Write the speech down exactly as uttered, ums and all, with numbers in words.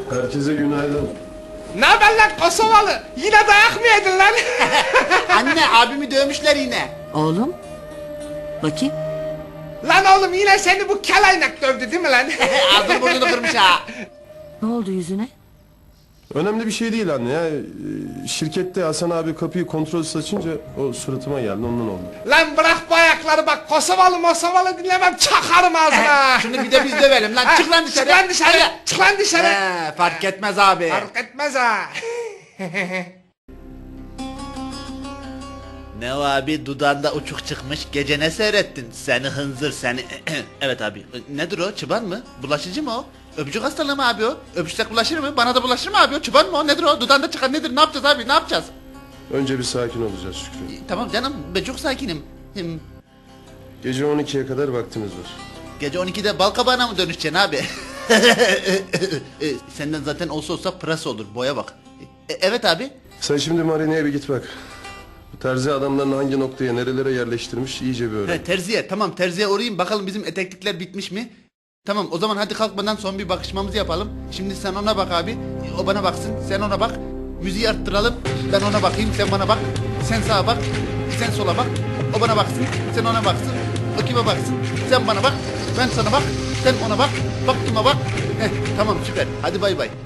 Herkese günaydın. Ne haber lan Kosovalı? Yine dayak mı yedin lan? Anne abimi dövmüşler yine. Oğlum. Bakayım. Lan oğlum yine seni bu kelaynak dövdü değil mi lan? Ağzını burnunu kırmış ha. Ne oldu yüzüne? Önemli bir şey değil anne ya. Ee, Şirkette Hasan abi kapıyı kontrolsüz açınca o suratıma geldi, ondan oldu. Lan bırak bu ayakları bak, Kosovalı Mosovalı dinlemem, çakarım ağzına. Şunu bir de biz dövelim lan. Ha, Çık lan dışarı. Çık lan dışarı. Hadi. Çık lan dışarı. He, fark etmez abi. Fark etmez ha. Ne o abi, dudağında uçuk çıkmış, gece ne seyrettin? Seni hınzır seni. Evet abi, nedir o, çıban mı? Bulaşıcı mı o? Öpücük hastalığı mı abi o? Öpüşsek bulaşır mı? Bana da bulaşır mı abi o? Çıban mı o? Nedir o? Dudağında çıkan nedir? Ne yapacağız abi? Ne yapacağız? Önce bir sakin olacağız Şükrü. Tamam canım, ben çok sakinim. Hım, Gece on ikiye kadar vaktimiz var. Gece on ikide bal kabağına mı dönüşeceksin abi? E, Senden zaten olsa olsa pırasa olur, boya bak. E, evet abi. Sen şimdi marineye bir git bak. Bu terzi adamlarını hangi noktaya, nerelere yerleştirmiş iyice bir öğren. He, terziye, tamam, terziye uğrayayım, bakalım bizim eteklikler bitmiş mi? Tamam, o zaman hadi kalkmadan son bir bakışmamızı yapalım. Şimdi sen ona bak abi, o bana baksın, sen ona bak. Müziği arttıralım, ben ona bakayım, sen bana bak. Sen sağa bak, sen sola bak. O bana baksın, sen ona baksın. O kime baksın, sen bana bak. Ben sana bak, sen ona bak. Bak kime bak. Heh, tamam, süper, hadi bay bay.